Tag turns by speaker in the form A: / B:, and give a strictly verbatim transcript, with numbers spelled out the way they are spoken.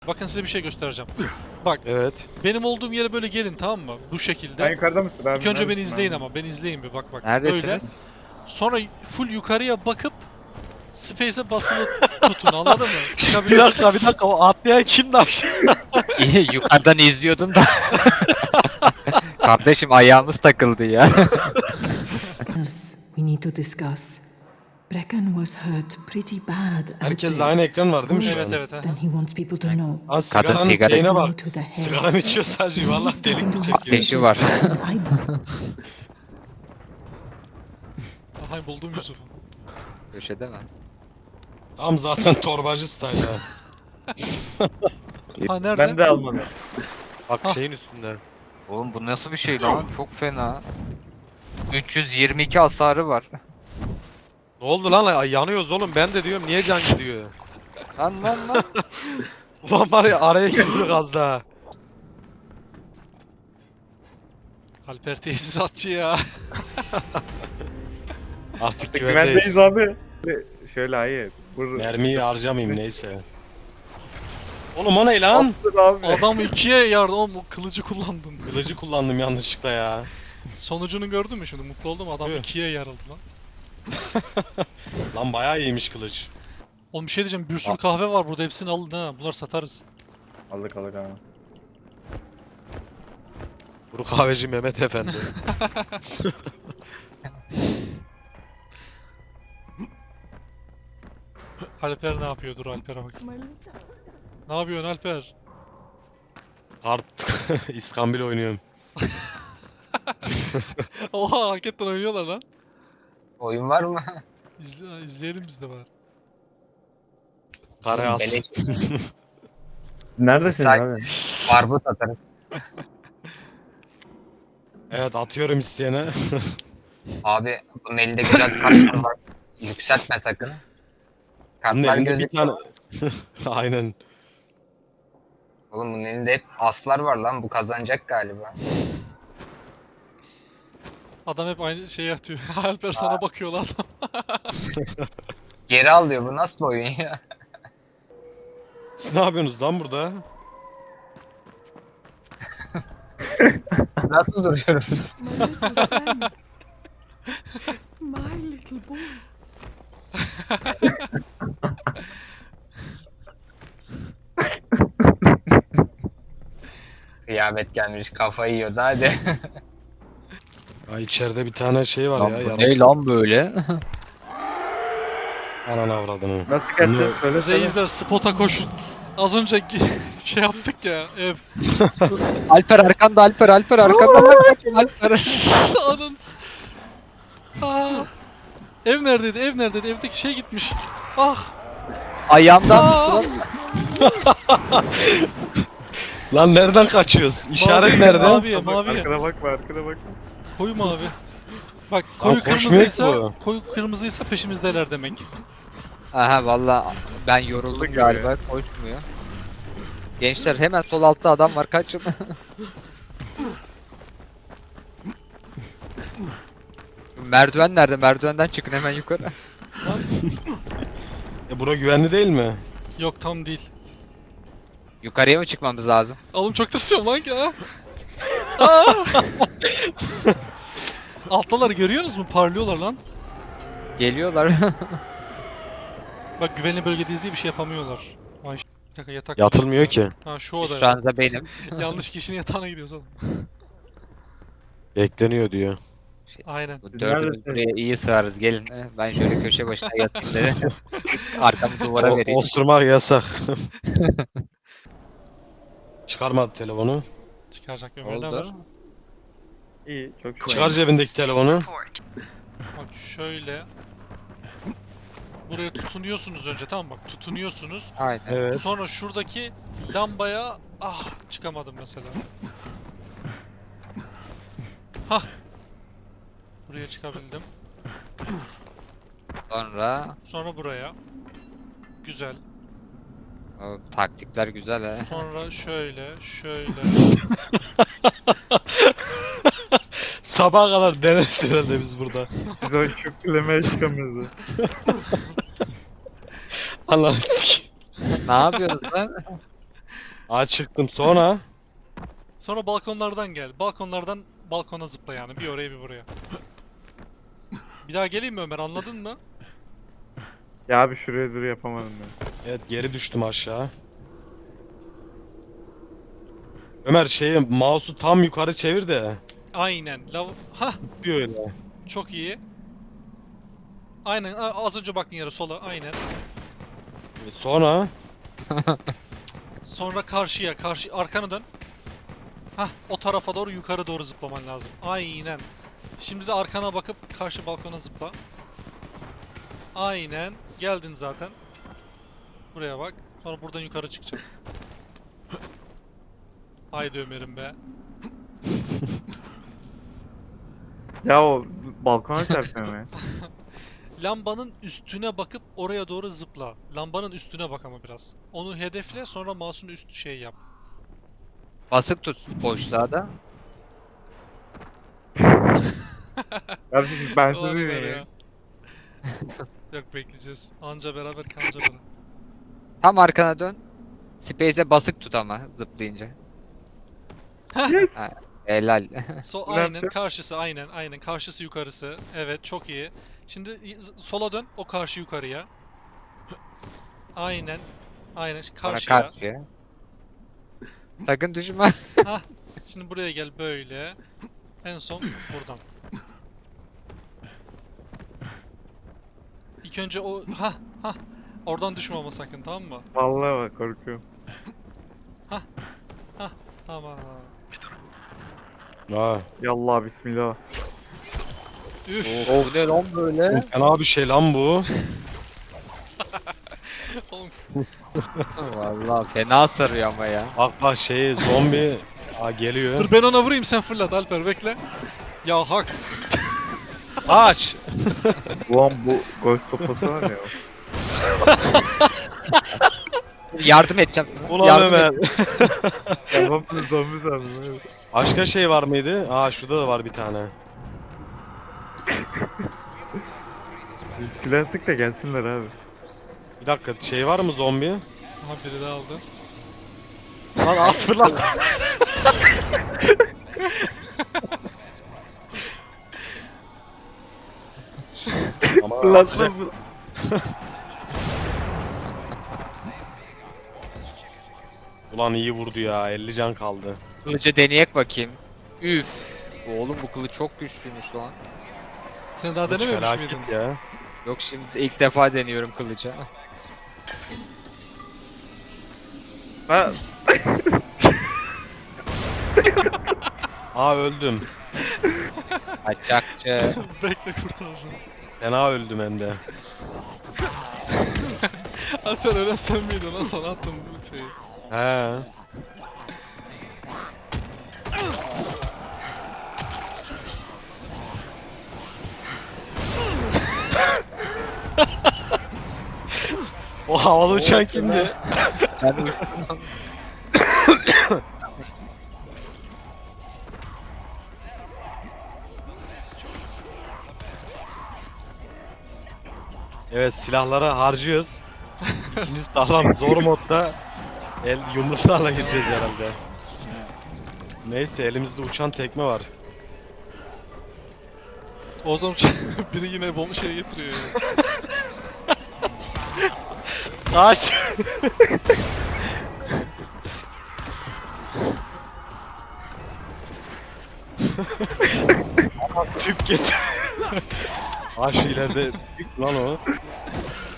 A: Bakın size bir şey göstereceğim. Bak.
B: Evet.
A: Benim olduğum yere böyle gelin, tamam mı? Bu şekilde.
C: Sen yukarıda mısın abi?
A: İlk önce beni
C: Neredesin
A: izleyin
C: abi?
A: ama. Beni izleyin bir, bak bak.
D: Neredesiniz?
A: Böyle. Sonra full yukarıya bakıp Space'e basılı tutun, anladın mı?
B: Bir dakika bir dakika, o atlayan kimdi aşağı?
D: İyi, yukarıdan izliyordum da. Kardeşim ayağımız takıldı ya.
E: else we need to discuss. Brecken was hurt pretty bad. out
B: Herkes de
E: there.
B: aynı ekran var değil mi şu
A: Evet
B: an?
A: evet. aha.
E: Then he wants people to know.
B: Lan
D: Kadın
B: sigaranın
D: sigara
B: şeyine
E: Blow
B: bak.
E: to the head.
B: Sigara mı içiyor sadece,
E: He's
B: valla
E: starting
B: delik
E: to
B: mi
E: look
B: çekiyor?
D: Ateşi var.
E: suspicious, and I
A: Aha, buldum Yusuf'u.
D: Köşede mi?
B: Tam zaten torbacı style ya.
A: Ha, nerede?
C: Ben de almadım.
B: Bak
A: Ah.
B: şeyin üstünde.
D: Oğlum bu nasıl bir şey lan? Çok fena. üç yüz yirmi iki hasarı var.
B: Ne oldu lan? Ay, yanıyoruz oğlum, ben de diyorum niye can gidiyor?
D: Lan lan lan.
B: Ulan var ya, araya girdik az daha.
A: Alper tesisatçı ya.
B: Artık
C: Güvendeyiz
B: güvendeyiz.
C: abi. Şöyle hayır. Vur.
B: Mermiyi harcamayayım neyse. Oğlum o ne lan?
C: Attın abi.
A: Adam ikiye yardım, oğlum o kılıcı kullandın.
B: Kılıcı kullandım yanlışlıkla ya.
A: Sonucunu gördün mü şimdi? Mutlu oldum, adam
B: Evet.
A: ikiye yarıldı lan.
B: Lan bayağı iyiymiş kılıç.
A: Oğlum bir şey diyeceğim, bir sürü kahve var burada, hepsini alın ha. Bunları satarız.
C: Aldık aldık abi.
B: Kuru kahveci Mehmet Efendi.
A: Alper ne yapıyor? Dur Alper'e bak. Ne yapıyorsun Alper?
B: Kart İskambil oynuyorum.
A: Oha, hakikaten oynuyorlar lan.
D: Oyun var mı?
A: İzle, izleyelim biz de bari.
B: Karayaz.
D: Beleş.
C: Neredesin
D: Say-
C: abi?
D: Barbut atarım.
B: Evet, atıyorum isteyene.
D: Abi bunun elinde güzel kartlar var. Yükseltme sakın.
B: Bunun
D: Kartlar
B: elinde bir
D: gözüküyor.
B: tane. Aynen.
D: Oğlum bunun elinde hep aslar var lan. Bu kazanacak galiba.
A: Adam hep aynı şeyi atıyor. Alper sana bakıyor lan.
D: Geri al diyor. Bu nasıl bir oyun ya?
B: Siz ne yapıyorsunuz lan burada?
D: Nasıl duruyorum?
E: My little boy.
D: Kıyamet gelmiş. Kafayı yiyoruz hadi.
B: Ay içeride bir tane şey var
D: Lan
B: ya.
D: bu
B: yaratık.
D: ne lan böyle?
B: Ananı avradını.
C: Nasıl kaçacağız?
B: Bunu-
C: Söyle söyle.
A: Reisler spota koşun. Az önce şey yaptık ya, ev.
D: Alper arkanda Alper Alper arkandan lan kaçın Alper.
A: Anın. Aa. Ev neredeydi? Ev neredeydi? Evdeki şey gitmiş. Ah.
D: Ayağımdan
A: Aa!
D: tutun.
B: Lan nereden kaçıyoruz? İşaret
A: Mavi,
B: nerede?
A: Maviye,
C: Bak,
A: maviye.
C: Arkana bakma arkana bakma.
A: Koyu mavi. Bak koyu
B: koşmuyor ki
A: kırmızıysa,
B: bu.
A: koyu kırmızıysa peşimizdeler demek.
D: Aha valla ben yoruldum
C: Yorulduk
D: galiba koşmuyor. Gençler hemen sol altta adam var kaçın. Merdiven nerede? Merdivenden çıkın hemen yukarı.
B: E bura güvenli değil mi?
A: Yok, tam değil.
D: Yukarıya mı çıkmamız lazım?
A: Oğlum çok tırsıyorum lan ki ha. Aa! Alttalar görüyorsunuz mu? Parlıyorlar lan.
D: Geliyorlar.
A: Bak güvenli bölgedeyiz diye bir şey yapamıyorlar. Ay ş- bir dakika, yatak.
B: Yatılmıyor ki.
A: Ha şu oda.
D: Şu anda benim.
A: Yanlış kişinin yatağına gidiyoruz oğlum.
B: Bekleniyor diyor.
A: Aynen.
D: Bu dördümüz
C: Neredesin?
D: buraya iyi sığarız gelin. Eh, Ben şöyle köşe başına yatayım dedi. Arkamı duvara
B: O,
D: vereyim.
B: osurmak yasak. Çıkarmadı telefonu.
A: Çıkaracak Ömer, ne haber?
D: Oldu.
C: İyi çok şükür.
B: Çıkar cebindeki telefonu.
A: Bak şöyle. Buraya tutunuyorsunuz önce, tamam bak, tutunuyorsunuz.
D: Aynen.
B: Evet.
A: Sonra şuradaki lambaya ah çıkamadım mesela. Hah. Buraya çıkabildim.
D: Sonra
A: Sonra buraya. Güzel.
D: o, taktikler güzel he.
A: Sonra şöyle, şöyle.
B: Sabaha kadar deneriz herhalde biz burada.
C: Biz o şükürlemeye çıkamıyoruz.
B: Allah'ım sikeyim.
D: Ne yapıyorsun lan?
B: Aa çıktım sonra.
A: Sonra balkonlardan gel. Balkonlardan balkona zıpla yani. Bir oraya bir buraya. Bir daha geleyim mi Ömer, anladın mı?
C: Ya abi şuraya dur yapamadım ben.
B: Evet geri düştüm aşağı. Ömer şeyi mouse'u tam yukarı çevir de.
A: Aynen. Lav Hah,
B: Tutuyor öyle.
A: çok iyi. Aynen, a- az önce baktığın yere sola, aynen.
B: E, Sonra
A: Sonra karşıya, karşı arkana dön. Hah, o tarafa doğru, yukarı doğru zıplaman lazım. Aynen. Şimdi de arkana bakıp karşı balkona zıpla. Aynen. Geldin zaten. Buraya bak. Sonra buradan yukarı çıkacağım. Haydi Ömer'im be.
C: Ya o balkona çarpıyor ya.
A: Lambanın üstüne bakıp oraya doğru zıpla. Lambanın üstüne bak ama biraz. Onu hedefle, sonra mouse'un üstü şey yap.
D: Basık tut boşluğa da.
C: Abi siz ben
A: Ulan
C: sizi
A: Ömer
C: ya.
A: ya. Yok, bekleyeceğiz. Anca beraber kanca beraber.
D: Tam arkana dön. Space'e basık tut ama zıplayınca.
C: Yes.
D: Ha, helal.
A: So
C: Ne
A: aynen
C: yapacağım?
A: karşısı, aynen aynen karşısı yukarısı. Evet, çok iyi. Şimdi z- sola dön, o karşı yukarıya. Aynen. Aynen şimdi
D: Sonra
A: karşıya.
D: karşıya. Sakın düşme.
A: Şimdi buraya gel böyle. En son buradan. İlk önce o ha ha oradan düşme ama sakın, tamam mı?
C: Vallahi bak korkuyorum.
A: Tamam.
B: Aa,
C: Yallah bismillah.
A: Üf.
D: Bu ne lan böyle?
B: fena bir şey lan bu.
A: Oğlum,
D: Vallahi fena sarıyor ama ya.
B: Bak bak şey zombi Aa, geliyor.
A: dur ben ona vurayım, sen fırlat Alper, bekle. Ya hak.
B: Aç.
C: Ulan bu ghost sopası var ya.
D: Yardım edeceğim.
B: Ulan
D: Yardım
B: Ömer.
D: et.
C: Ya ben bunu zombi sandım. evet.
B: Başka şey var mıydı? Aa şurada da var bir tane.
C: Silah sık da gelsinler abi.
B: Bir dakika şey var mı zombi?
A: Aha, biri daha aldı.
B: Lan at fırlat. Ama
C: Fırlatma
B: atacak-
C: bu.
B: Ulan iyi vurdu ya. elli can kaldı.
D: Kılıcı deneyek bakayım. Üf. Oğlum bu kılıç çok güçlüymüş lan.
A: Sen daha
B: Kılıç
A: denememiş
B: felaket
A: miydin?
B: ya.
D: Yok, şimdi ilk defa deniyorum kılıcı.
C: Ha,
B: Aa öldüm.
D: Kaçakçı.
A: Bekle, kurtaracağım.
B: Fena öldüm hem de.
A: Alper, öyle sen miydin lan, sana attım bu şeyi.
B: He. O havalı uçan kimdi?
D: Ben uçtum.
B: Evet silahları harcıyoruz. İkinci sağlam zor modda el yumruklarla gireceğiz herhalde. Neyse elimizde uçan tekme var.
A: O zaman biri yine bomba şey getiriyor ya.
B: Kaç. Tüp getir. Aa şu ileride büyük lan o.